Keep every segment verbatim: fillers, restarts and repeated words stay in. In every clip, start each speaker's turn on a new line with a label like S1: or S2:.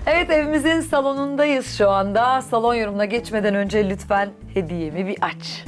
S1: Evet, evimizin salonundayız şu anda. Salon yorumuna geçmeden önce lütfen hediyemi bir aç.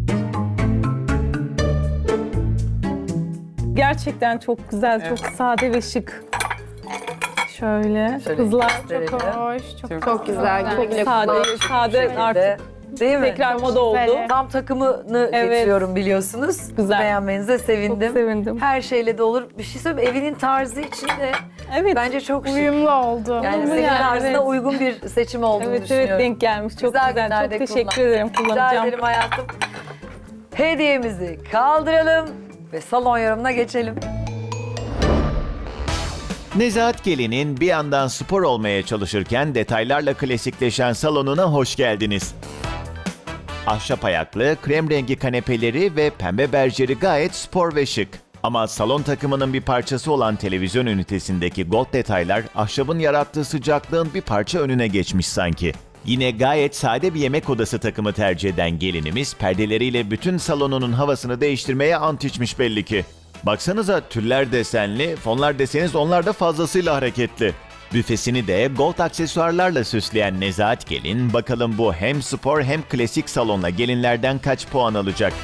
S2: Gerçekten çok güzel, çok sade ve şık. Şöyle,
S1: Şöyle
S2: kızlar
S1: gösterelim.
S3: Çok hoş, çok,
S4: Çok
S3: çok güzel.
S4: güzel.
S3: Güle
S2: sade,
S3: kullan.
S2: sade artık
S1: Değil mi?
S2: tekrar moda oldu.
S3: güzel.
S1: Tam takımını
S2: Evet.
S1: getiriyorum biliyorsunuz.
S2: Güzel.
S1: Beğenmenize sevindim.
S2: Çok sevindim.
S1: Her şeyle de olur. Bir şey söyleyeyim, evinin tarzı için de
S2: Evet,
S1: bence çok şık.
S3: Uyumlu oldu.
S1: Yani
S2: Uyumlu
S1: senin
S2: yani,
S1: tarzına
S2: evet.
S1: uygun bir seçim olduğunu
S2: evet,
S1: düşünüyorum.
S2: evet denk gelmiş. Çok
S1: Güzel
S2: güzel,
S1: günlerde
S2: çok teşekkür
S1: kullan.
S2: ederim.
S1: Rica
S2: Kullanacağım.
S1: ederim hayatım. Hediyemizi kaldıralım ve salon yorumuna geçelim.
S5: Nezahat Gelin'in bir yandan spor olmaya çalışırken detaylarla klasikleşen salonuna hoş geldiniz. Ahşap ayaklı, krem rengi kanepeleri ve pembe berjeri gayet spor ve şık. Ama salon takımının bir parçası olan televizyon ünitesindeki gold detaylar ahşabın yarattığı sıcaklığın bir parça önüne geçmiş sanki. Yine gayet sade bir yemek odası takımı tercih eden gelinimiz perdeleriyle bütün salonunun havasını değiştirmeye ant içmiş belli ki. Baksanıza tüller desenli, fonlar deseniz onlar da fazlasıyla hareketli. Büfesini de gold aksesuarlarla süsleyen Nezahat Gelin, bakalım bu hem spor hem klasik salonla gelinlerden kaç puan alacak?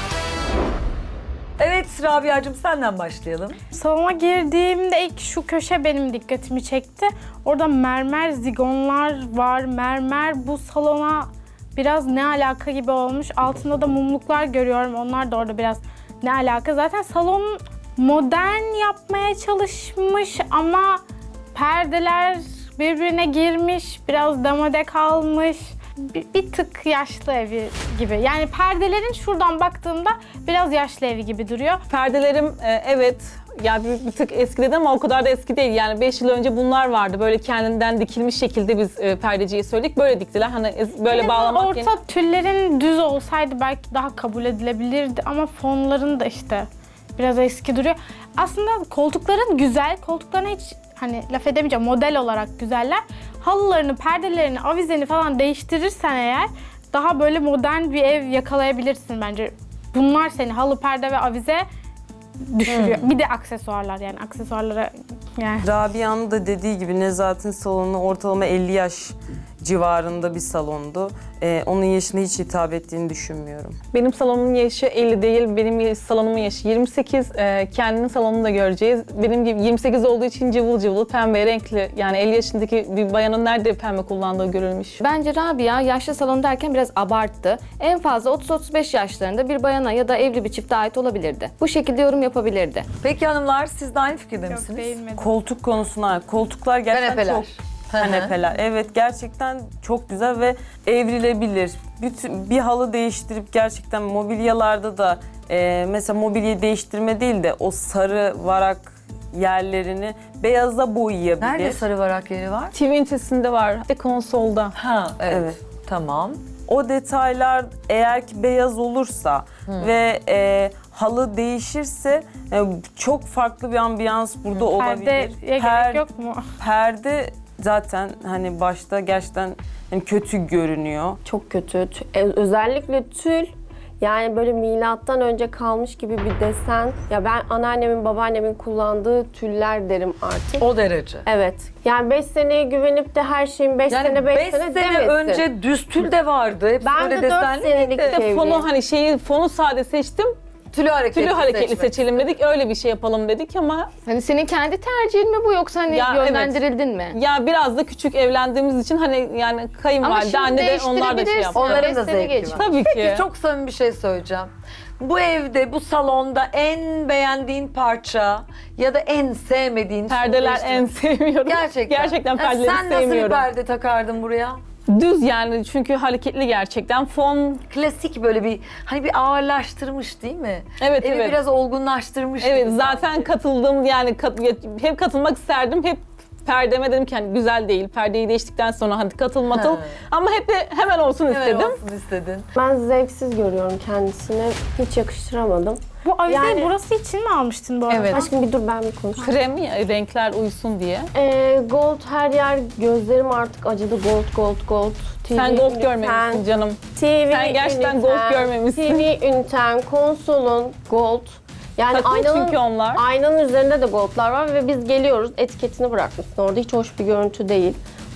S1: Evet Rabia'cığım, senden başlayalım.
S3: Salona girdiğimde ilk şu köşe benim dikkatimi çekti. Orada mermer zigonlar var. Mermer bu salona biraz ne alaka gibi olmuş. Altında da mumluklar görüyorum. Onlar da orada biraz ne alaka. Zaten salon modern yapmaya çalışmış ama perdeler birbirine girmiş. Biraz damade kalmış. Bir, bir tık yaşlı evi gibi. Yani perdelerin şuradan baktığımda biraz yaşlı evi gibi duruyor.
S2: Perdelerim e, evet yani bir, bir tık eskidi ama o kadar da eski değil. Yani beş yıl önce bunlar vardı. Böyle kendinden dikilmiş şekilde biz e, perdeciye söyledik. Böyle diktiler. Hani ez- böyle
S3: En
S2: bağlamak
S3: orta
S2: yerine-
S3: tüllerin düz olsaydı belki daha kabul edilebilirdi ama fonların da işte biraz eski duruyor. Aslında koltukların güzel, koltuklarına hiç hani laf edemeyeceğim, model olarak güzeller. Halılarını, perdelerini, avizeni falan değiştirirsen eğer daha böyle modern bir ev yakalayabilirsin bence. Bunlar seni halı, perde ve avize düşürüyor. Bir de aksesuarlar, yani aksesuarlara yani.
S4: Rabia'nın da dediği gibi Nezahat'in salonu ortalama elli yaş civarında bir salondu. Ee, onun yaşına hiç hitap ettiğini düşünmüyorum.
S2: Benim salonumun yaşı elli değil, benim salonumun yaşı yirmi sekiz. Ee, kendinin salonunu da göreceğiz. Benim gibi yirmi sekiz olduğu için cıvıl cıvıl, pembe renkli. Yani elli yaşındaki bir bayanın nerede pembe kullandığı görülmüş.
S6: Bence Rabia yaşlı salon derken biraz abarttı. En fazla otuz otuz beş yaşlarında bir bayana ya da evli bir çifte ait olabilirdi. Bu şekilde yorum yapabilirdi.
S1: Peki hanımlar, siz de aynı fikirde
S3: Yok,
S1: misiniz?
S3: değilmedi.
S4: Koltuk konusuna, koltuklar gerçekten
S1: Kanepeler.
S4: çok... Kanepeler. Evet, gerçekten çok güzel ve evrilebilir. Bütün, bir halı değiştirip gerçekten mobilyalarda da e, mesela mobilya değiştirme değil de o sarı varak yerlerini beyaza boyayabilir.
S1: Nerede sarı varak yeri var?
S2: T V ünitesinde var, bir de konsolda.
S1: Ha evet.
S4: Evet.
S1: Tamam.
S4: O detaylar eğer ki beyaz olursa ve e, halı değişirse e, çok farklı bir ambiyans burada olabilir.
S3: Perdeye
S4: Per-
S3: gerek yok mu?
S4: Perde zaten hani başta gerçekten hani kötü görünüyor.
S7: Çok kötü. Tü- e, Özellikle tül, yani böyle milattan önce kalmış gibi bir desen. Ya ben anneannemin, babaannemin kullandığı tüller derim artık.
S1: O derece.
S7: Evet. Yani beş seneye güvenip de her şeyin beş
S1: Yani
S7: sene beş
S1: beş
S7: sene,
S1: sene
S7: demesin.
S1: önce düz tül de vardı. Hepsi
S7: Ben
S1: böyle
S7: de dört
S1: desenli
S7: senelik
S1: miydi?
S2: Bir de fonu
S7: Çevireyim.
S2: hani şeyi fonu sade seçtim.
S1: Tülü hareketli,
S2: Tülü hareketli
S1: seçmek.
S2: seçelim dedik. Öyle bir şey yapalım dedik ama
S6: Hani senin kendi tercihin mi bu yoksa hani
S2: Ya,
S6: yönlendirildin mi?
S2: ya biraz da küçük evlendiğimiz için hani yani
S6: Ama
S2: kayınvalide,
S6: şimdi
S2: anne de onlar da şey
S6: değiştirebilirsin.
S2: yaptı.
S1: Onların
S6: Beş
S1: da
S6: sene
S1: zevki
S6: geç.
S1: var.
S2: Tabii ki.
S1: Peki çok samimi bir şey söyleyeceğim. Bu evde, bu salonda en beğendiğin parça ya da en sevmediğin
S2: Perdeler
S1: sonuçta-
S2: en sevmiyorum.
S1: Gerçekten.
S2: Gerçekten
S1: Ya
S2: perdeleri
S1: sen nasıl bir
S2: sevmiyorum.
S1: perde takardın buraya?
S2: Düz yani çünkü hareketli gerçekten. Fon
S1: Klasik böyle bir hani bir ağırlaştırmış değil mi?
S2: Evet,
S1: Evi
S2: evet.
S1: biraz olgunlaştırmış.
S2: evet
S1: gibi
S2: zaten
S1: sanki.
S2: katıldım yani kat, hep katılmak isterdim. Hep perdeme dedim ki hani güzel değil. Perdeyi değiştikten sonra hadi katıl matıl.
S1: Ha.
S2: Ama hep de hemen olsun
S1: Hemen
S2: istedim.
S1: olsun istedin.
S7: Ben zevksiz görüyorum kendisini. Hiç yakıştıramadım.
S3: Bu avizeyi
S7: Yani-
S3: burası için mi almıştın bu arada?
S2: Evet.
S7: Aşkım bir dur, ben bir konuşayım.
S2: Krem ya, renkler uysun diye.
S7: Ee, gold her yer, gözlerim artık acıdı. Gold, gold, gold. T V
S2: Sen gold
S7: üniten,
S2: görmemişsin canım.
S7: T V
S2: Sen gerçekten gold
S7: üniten,
S2: görmemişsin.
S7: T V üniten, konsolun gold. Yani
S2: Takım
S7: aynanın,
S2: çünkü onlar.
S7: aynanın üzerinde de goldlar var ve biz geliyoruz, etiketini bırakmışsın orada. Hiç hoş bir görüntü değil.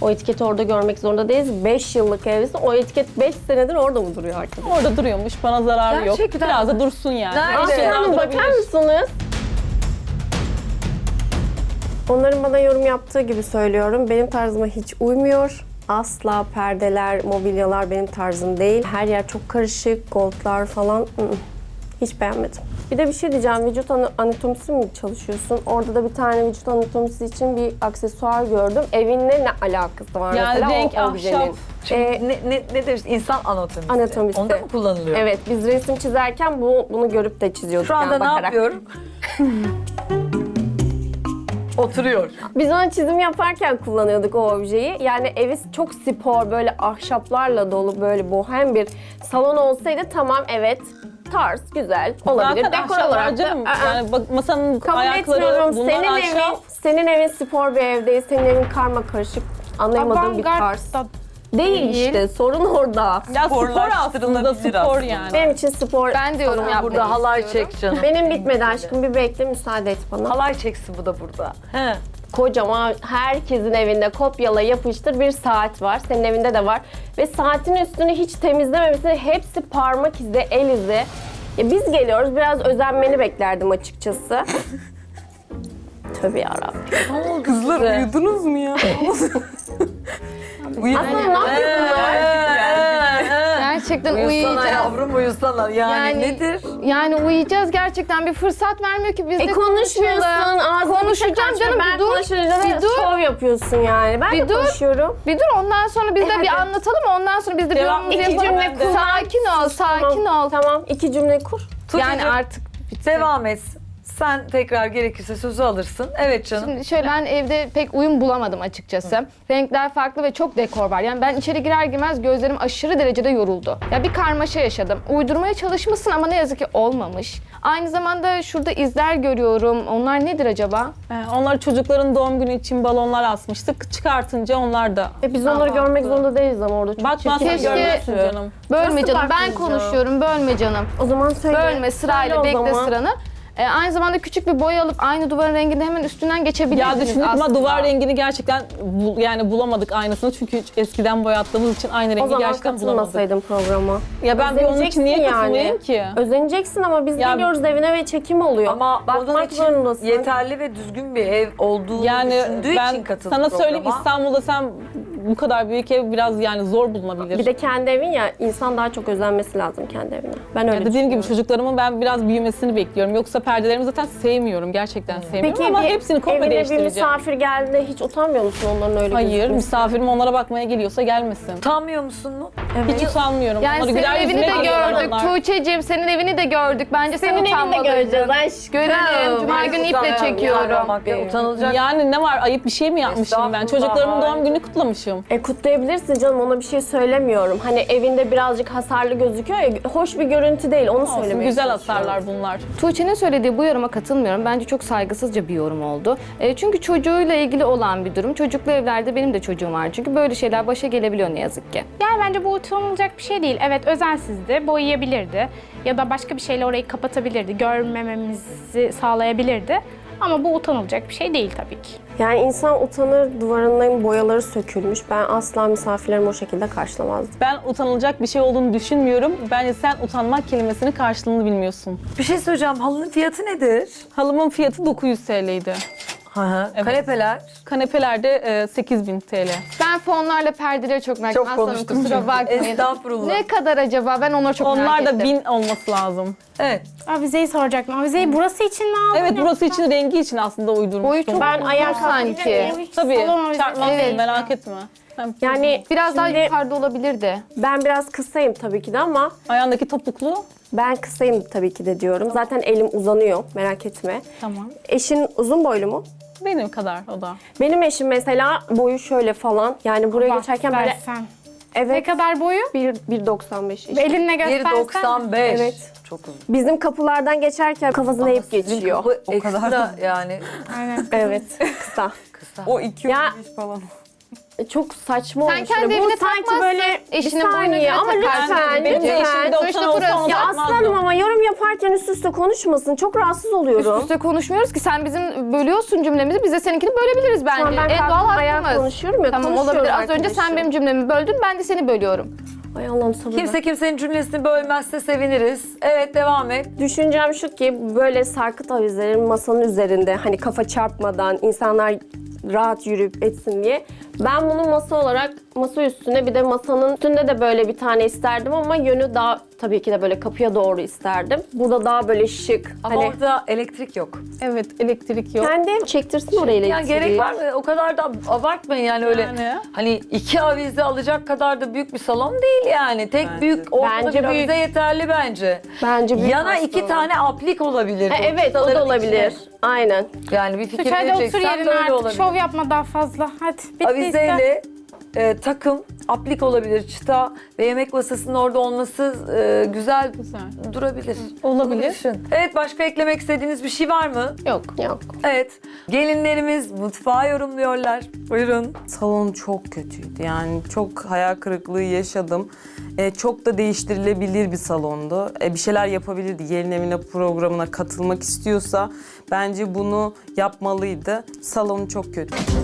S7: O etiketi orada görmek zorunda değiliz. beş yıllık evlisin. O etiket beş senedir orada mı duruyor arkadaşlar?
S2: Orada duruyormuş, bana zararı yok.
S1: Gerçekten
S2: Biraz
S1: mi?
S2: da dursun yani.
S1: Nerede?
S2: Eşyadan
S7: Aslı Hanım bakar
S2: durabilir.
S7: mısınız? Onların bana yorum yaptığı gibi söylüyorum. Benim tarzıma hiç uymuyor. Asla perdeler, mobilyalar benim tarzım değil. Her yer çok karışık, goldlar falan. ı-ı. Hiç beğenmedim. Bir de bir şey diyeceğim. Vücut ana- anatomisi mi çalışıyorsun? Orada da bir tane vücut anatomisi için bir aksesuar gördüm. Evinle ne alakası var
S2: Yani
S7: mesela
S2: renk,
S7: o objenin?
S2: ahşap.
S1: Çünkü
S7: Ee,
S1: ne, ne, ne deriz? İnsan anatomisi.
S7: Anatomisi.
S1: Onda mı kullanılıyor?
S7: Evet, biz resim çizerken bu, bunu görüp de çiziyorduk.
S1: Şu anda
S7: yani
S1: ne
S7: bakarak.
S1: yapıyorum? Oturuyor.
S7: Biz onu çizim yaparken kullanıyorduk o objeyi. Yani evi çok spor, böyle ahşaplarla dolu, böyle bohem bir salon olsaydı tamam, evet, tarz, güzel, olabilir.
S2: Zaten
S7: Dekor
S2: ahşap
S7: olarak
S2: var
S7: da
S2: canım.
S7: ı-ı.
S2: Yani bak, masanın
S7: Kabul
S2: ayakları,
S7: etmiyorum.
S2: bunlar
S7: Senin
S2: ahşap.
S7: evin, senin evin spor bir ev değil, senin evin karma karışık, anlayamadığım bir tarz.
S3: Avantgard da
S7: Değil
S3: değil.
S7: işte, sorun orada.
S2: Ya spor aslında,
S4: Sporlaştırılabilir
S2: spor
S4: aslında.
S2: yani.
S7: Benim için spor...
S6: Ben de yorum
S7: falan
S6: yapmak
S1: Burada halay çek canım.
S7: Benim bitmedi aşkım, bir bekle, müsaade et bana.
S1: Halay çeksin bu da burada. He.
S7: Kocaman, herkesin evinde kopyala yapıştır bir saat var. Senin evinde de var. Ve saatin üstünü hiç temizlememişsin. Hepsi parmak izi, el izi. Ya biz geliyoruz, biraz özenmeni beklerdim açıkçası. Tövbe yarabbim.
S4: Kızlar uyudunuz mu ya? Uyudunuz
S7: Aslında ne yapıyor bunlar?
S6: Gerçekten
S1: Uyusana
S6: uyuyacağız.
S1: yavrum uyusana. Yani,
S6: Yani-
S1: nedir?
S6: Yani uyuyacağız gerçekten, bir fırsat vermiyor ki biz de
S7: E konuşmuyorsun,
S6: konuşalım.
S7: ağzınızı
S6: Konuşacağım canım,
S7: ben
S6: bir dur.
S7: konuşunca
S6: Bir
S7: da
S6: dur.
S7: şov yapıyorsun yani. Ben
S6: Bir
S7: de
S6: dur.
S7: konuşuyorum.
S6: Bir dur, ondan sonra biz de bir
S7: hadi.
S6: anlatalım, ondan sonra biz de bir
S2: Devam-
S6: yorumumuzu
S2: İki
S6: yapalım.
S2: cümle kur.
S6: Sakin ol, sakin
S7: tamam,
S6: ol.
S7: Tamam, iki cümle kur.
S6: Yani
S1: Tuğçe'cim,
S6: artık
S1: devam et. Sen tekrar gerekirse sözü alırsın. Evet canım.
S6: Şimdi şöyle, ben evde pek uyum bulamadım açıkçası. Renkler farklı ve çok dekor var. Yani ben içeri girer girmez gözlerim aşırı derecede yoruldu. Ya bir karmaşa yaşadım. Uydurmaya çalışmışsın ama ne yazık ki olmamış. Aynı zamanda şurada izler görüyorum. Onlar nedir acaba?
S2: Ee, onlar çocukların doğum günü için balonlar asmıştık. Çıkartınca onlar da
S7: E biz onları görmek zorunda değiliz ama orada çok
S2: bakmazsan
S7: çirkin
S6: Keşke-
S2: görmezsin canım.
S6: Bölme
S7: Nasıl
S6: canım. Ben
S7: bakmayacağım?
S6: konuşuyorum. Bölme canım.
S7: O zaman söyle.
S6: Bölme, sırayla
S7: Söyle o
S6: bekle
S7: zaman.
S6: sıranı. Ee, aynı zamanda küçük bir boya alıp aynı duvarın rengini hemen üstünden geçebilirdiniz
S2: Ya düşündük
S6: aslında.
S2: ama duvar rengini gerçekten bul- yani bulamadık aynısını, çünkü hiç eskiden boyattığımız için aynı
S7: O
S2: rengi
S7: zaman
S2: gerçekten bulamadık.
S7: katılmasaydın programa.
S2: Ya ben bir onun için niye
S7: Özeneceksin
S2: katılmayayım ki?
S7: Özeneceksin ama biz
S2: Ya-
S7: geliyoruz evine ve çekim oluyor.
S1: Ama onun
S7: bakmak
S1: için
S7: zorundasın.
S1: yeterli ve düzgün bir ev olduğunu
S2: Yani
S1: düşündüğü için
S2: ben
S1: katıldı
S2: sana söyleyeyim,
S1: programa.
S2: İstanbul'da sen bu kadar büyük ev biraz yani zor bulunabilir.
S7: Bir de kendi evin ya, insan daha çok özenmesi lazım kendi evine. Ben öyle
S2: Ya dediğim gibi
S7: düşünüyorum.
S2: çocuklarımın ben biraz büyümesini bekliyorum. Yoksa perdelerimi zaten sevmiyorum. Gerçekten sevmiyorum ama
S7: bir
S2: hepsini komple
S7: evine bir
S2: değiştireceğim.
S7: misafir geldiğinde hiç utanmıyor musun onların öyle
S2: Hayır,
S7: gözükmesi?
S2: misafirim onlara bakmaya geliyorsa gelmesin.
S1: Utanmıyor musun mu?
S2: Hiç utanmıyorum.
S6: Yani
S2: Onları
S6: senin
S2: güler
S6: evini
S2: yüzüne
S6: de
S2: bakıyorlar
S6: gördük
S2: onlar.
S6: Tuğçe'cim, senin evini de gördük. Bence sen
S7: Senin evinde
S6: utanmalıydın.
S7: göreceğiz aşkım.
S6: Görelim. Cuma günü iple çekiyorum.
S1: Utanılacak.
S2: Yani ne var, ayıp bir şey mi yapmışım ben?
S1: Estağfurullah,
S2: Çocuklarımın doğum
S1: hayır.
S2: gününü kutlamışım.
S7: E kutlayabilirsin canım, ona bir şey söylemiyorum. Hani evinde birazcık hasarlı gözüküyor ya, hoş bir görüntü değil, onu
S2: Olsun,
S7: söylemeye
S2: güzel
S7: çalışıyorum.
S2: hasarlar bunlar.
S6: Tuğçe'nin söylediği bu yoruma katılmıyorum. Bence çok saygısızca bir yorum oldu. E, çünkü çocuğuyla ilgili olan bir durum. Çocuklu evlerde benim de çocuğum var. Çünkü böyle şeyler başa gelebiliyor ne yazık ki.
S3: Yani bence bu utanılacak bir şey değil. Evet, özensizdi, boyayabilirdi ya da başka bir şeyle orayı kapatabilirdi, görmememizi sağlayabilirdi. Ama bu utanılacak bir şey değil tabii ki.
S7: Yani insan utanır, duvarının boyaları sökülmüş. Ben asla misafirlerimi o şekilde karşılamazdım.
S2: Ben utanılacak bir şey olduğunu düşünmüyorum. Bence sen utanmak kelimesinin karşılığını bilmiyorsun.
S1: Bir şey söyleyeceğim. Halının fiyatı nedir?
S2: Halımın fiyatı dokuz yüz T L'ydi.
S1: Hı hı.
S2: Evet.
S1: Kanepeler.
S2: Kanepelerde e, sekiz bin T L.
S6: Ben fonlarla perdeleri çok merak
S1: Çok
S6: ettim.
S1: konuştum
S6: Kusura
S1: çünkü.
S6: bakmayın.
S1: Estağfurullah.
S6: Ne kadar acaba? Ben onları çok merak
S2: Onlar
S6: ettim.
S2: da bin olması lazım.
S1: Evet.
S3: Avizeyi soracaktım. Avizeyi burası için mi aldın?
S2: Evet, burası
S3: yoksa-
S2: için, rengi için aslında uydurmuştum.
S6: Boyu çok
S7: Ben
S6: uzun
S7: ayağa
S6: sanki.
S2: Tabii,
S3: Salon avizesi.
S2: çarpmaz,
S6: Evet.
S2: merak etme. Hem
S7: Yani
S6: Biraz daha
S7: şimdi
S6: yukarıda olabilirdi.
S7: ben biraz kısayım tabii ki de ama
S2: ayağındaki topuklu.
S7: ben kısayım tabii ki de diyorum. Zaten elim uzanıyor, merak etme.
S2: Tamam.
S7: Eşin uzun boylu mu?
S2: Benim kadar o da.
S7: Benim eşim mesela boyu şöyle falan. Yani buraya
S3: Bak,
S7: geçerken böyle
S3: versen. Ne
S7: evet
S3: kadar boyu?
S7: bir bir doksan beş işte.
S3: Elinle
S1: bir
S3: göstersen.
S1: doksan beş.
S7: Evet.
S1: Çok uzun.
S7: Bizim kapılardan geçerken kafasını eğip
S1: Sizin
S7: geçiyor.
S1: kapı
S4: O kadar
S1: ekstra yani.
S3: Aynen.
S7: Evet, kısa.
S1: Kısa.
S4: O iki
S7: Ya-
S4: yüz beş falan.
S7: çok saçma
S6: Sen
S7: olmuş.
S6: kendi
S7: Bu
S6: evine
S7: sanki
S6: takmazsın,
S7: böyle
S6: eşinin
S7: bir saniye
S6: boynuna
S7: ama
S6: takarsın.
S7: lütfen,
S2: Benim de eşim
S7: lütfen.
S2: doksan
S6: Sonuçta
S2: olsa
S6: burası-
S2: onu
S7: Ya
S2: takmazdım.
S7: aslanım ama yorum yaparken üst üste konuşmasın. Çok rahatsız
S6: Üst
S7: oluyorum.
S6: üste konuşmuyoruz ki sen bizim bölüyorsun cümlemizi, biz de seninkini bölebiliriz bence.
S7: Şu an ben
S6: En doğal
S7: kalkıp ayağa
S6: hakkımız.
S7: konuşuyorum ya,
S6: Tamam
S7: konuşuyorum
S6: olabilir. Az önce sen
S7: arkadaşım.
S6: benim cümlemi böldün, ben de seni bölüyorum.
S7: Ay Allah'ım sabır ver.
S1: Kimse kimsenin cümlesini bölmezse seviniriz. Evet, devam et.
S7: Düşüncem şu ki böyle sarkıt avizelerin masanın üzerinde hani kafa çarpmadan insanlar rahat yürüyüp etsin diye. Ben bunu masa olarak masa üstüne bir de masanın üstünde de böyle bir tane isterdim ama yönü daha tabii ki de böyle kapıya doğru isterdim. Burada daha böyle şık.
S1: Ama
S7: hani
S1: orada elektrik yok.
S2: Evet, elektrik yok.
S7: kendi çektirsin oraya elektriği.
S1: Yani gerek var mı? O kadar da abartmayın yani öyle.
S2: Yani.
S1: Hani iki avize alacak kadar da büyük bir salon değil yani. Tek
S4: Bence.
S1: büyük ortada
S7: Bence
S1: bir
S7: büyük.
S1: avize yeterli bence.
S7: Bence büyük
S1: Yana
S7: aslında.
S1: iki tane aplik olabilir.
S7: Ha, evet o da olabilir. Aynen.
S1: Yani bir fikir
S3: Tuğçe hadi otur
S1: vereceksen
S3: yerine
S1: böyle
S3: artık.
S1: olabilir.
S3: Şov yapma daha fazla. Hadi bitti işte.
S1: Avizeyle e, takım, aplik olabilir, çıta ve yemek masasının orada olması e, güzel,
S2: Güzel.
S1: durabilir.
S2: Olabilir.
S1: Bunu düşün. Evet, başka eklemek istediğiniz bir şey var mı?
S2: Yok.
S7: Yok.
S1: Evet, gelinlerimiz mutfağı yorumluyorlar. Buyurun.
S4: Salon çok kötüydü. Yani çok hayal kırıklığı yaşadım. Ee, çok da değiştirilebilir bir salondu. Ee, bir şeyler yapabilirdi. Gelin evine programına katılmak istiyorsa bence bunu yapmalıydı. Salonu çok kötü.